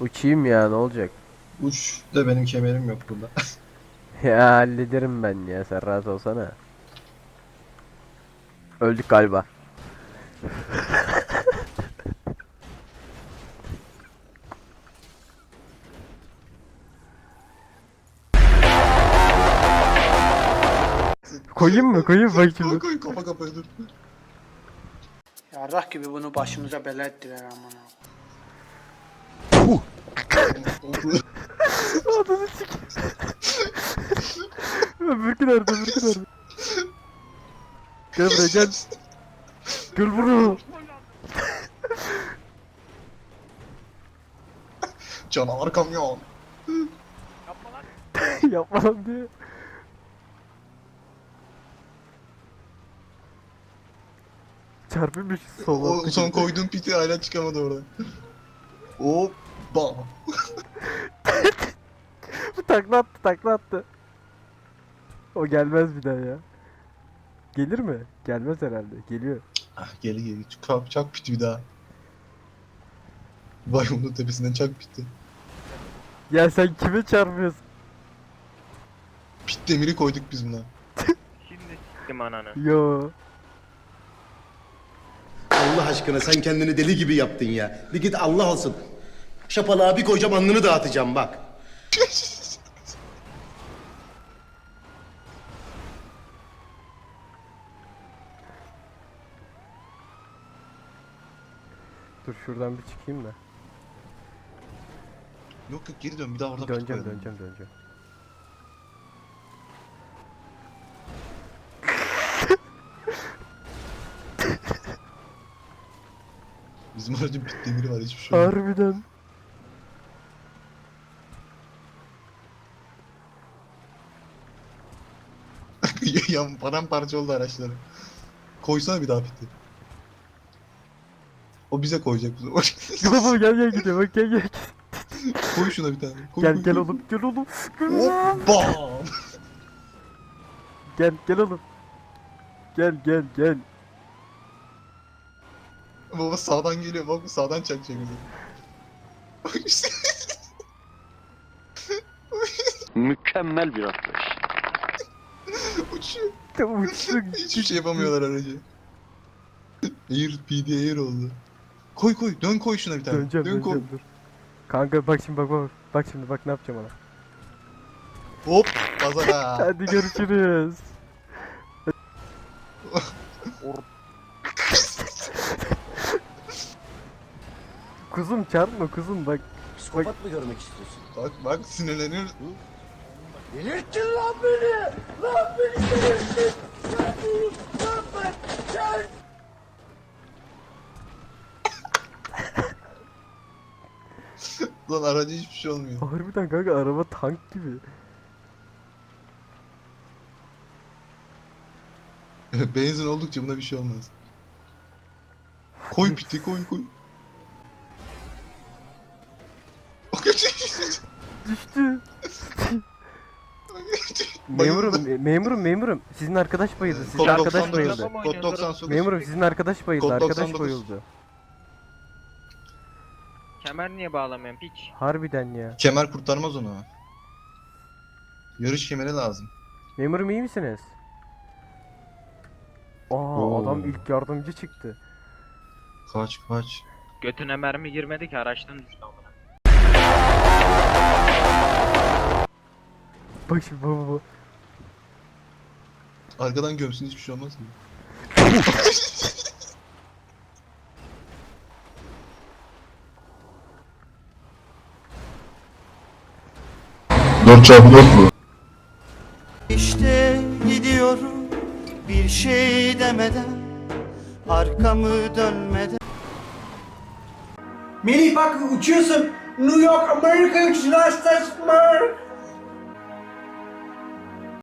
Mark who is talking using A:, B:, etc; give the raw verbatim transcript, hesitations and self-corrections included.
A: Uçayım ya, ne olacak?
B: Uç da benim kemerim yok burada.
A: Ya hallederim ben ya, sen rahat olsana. Öldük galiba. Koyayım mı? Koyayım bak
B: Koy
A: şimdi.
B: koy kafa kafaya dur.
C: Yarrak gibi bunu başımıza bela ettiler aman ha.
A: Adını sik. Öbürkü nerede? Öbürkü nerede? Gel buraya gel. Gel buraya.
B: Canavar kamyon.
A: Yapma lan diye. Çarpılmış sola.
B: O son koyduğun piti hala çıkamadı oradan. Hoppa.
A: Bu takla attı, takla attı. O gelmez bir daha ya. Gelir mi? Gelmez herhalde. Geliyor.
B: Ah geli geli. Çak, çak piti bir daha. Vay onun tepesinden çak piti.
A: Ya sen kime çarpıyorsun?
B: Pit demiri koyduk biz buna.
D: Şimdi s**tim ananı.
A: Yo.
E: Allah aşkına sen kendini deli gibi yaptın ya. Bir git Allah olsun. Şapalığa bir koyacağım alnını dağıtacağım bak.
A: Dur şuradan bir çıkayım da.
B: Yok yok geri dön bir daha orada pit
A: Döneceğim,
B: koyalım.
A: döneceğim, döneceğim.
B: Bizim aracın pit demiri var hiçbir şey yok.
A: Harbiden.
B: Ya paramparça oldu araçları. Koysana bir daha piti. O bize koyacak bu sefer.
A: Baba gel gel gidiyor, bak gel gel.
B: Koy şuna bir tane. Koy,
A: Gel
B: koy,
A: gel
B: koy.
A: oğlum, gel oğlum. Gel oğlum.
B: Hoppa.
A: Gel gel oğlum. Gel gel gel.
B: Baba sağdan geliyor bak sağdan çakacak bizi. Bak işte.
D: Mükemmel bir atlayış.
B: Uçuyor.
A: Uçtuk.
B: Hiçbir şey yapamıyorlar aracı. Air P D Air oldu. Koy koy dön koy şuna bir tane.
A: Döneceğim,
B: dön koy.
A: döneceğim dur. Kanka bak şimdi bak bak. Bak şimdi bak ne yapacağım ona.
B: Hop pazara.
A: Hadi görüşürüz. Kuzum çarpma kuzum bak.
E: Psikopat mı görmek istiyorsun?
B: Bak bak sinirleniyor.
E: Delirttin lan beni! Lan beni delirttin! Lan beni! Lan ben! Gel!
B: Lan araca hiçbir şey olmuyor.
A: Harbiden kanka araba tank gibi.
B: Benzin oldukça buna bir şey olmaz. Koy piti koy koy.
A: Düştü. Memurum, me- memurum, memurum. Sizin arkadaş bayıldı. Sizin
B: Kod
A: arkadaş
B: doksan dokuz.
A: bayıldı.
B: Kod doksan dokuz.
A: Memurum sizin arkadaş bayıldı.
B: Kod
A: Arkadaş
B: doksan dokuz.
A: bayıldı.
D: Kemer niye bağlamıyorsun piç?
A: Harbiden ya.
B: Kemer kurtarmaz onu. Yarış kemeri lazım.
A: Memurum iyi misiniz? Aa
B: Oo.
A: adam ilk yardımcı çıktı.
B: Kaç kaç.
D: Götüne mermi girmedi ki araçtan düştü amına.
A: Bak şimdi baba baba.
B: Arkadan gömsün hiçbir şey olmaz mı? Dört çarpı dört mu?
F: İşte gidiyorum bir şey demeden, arkamı dönmeden.
C: Melih bak uçuyorsun. New York Amerika uçuşu Merk.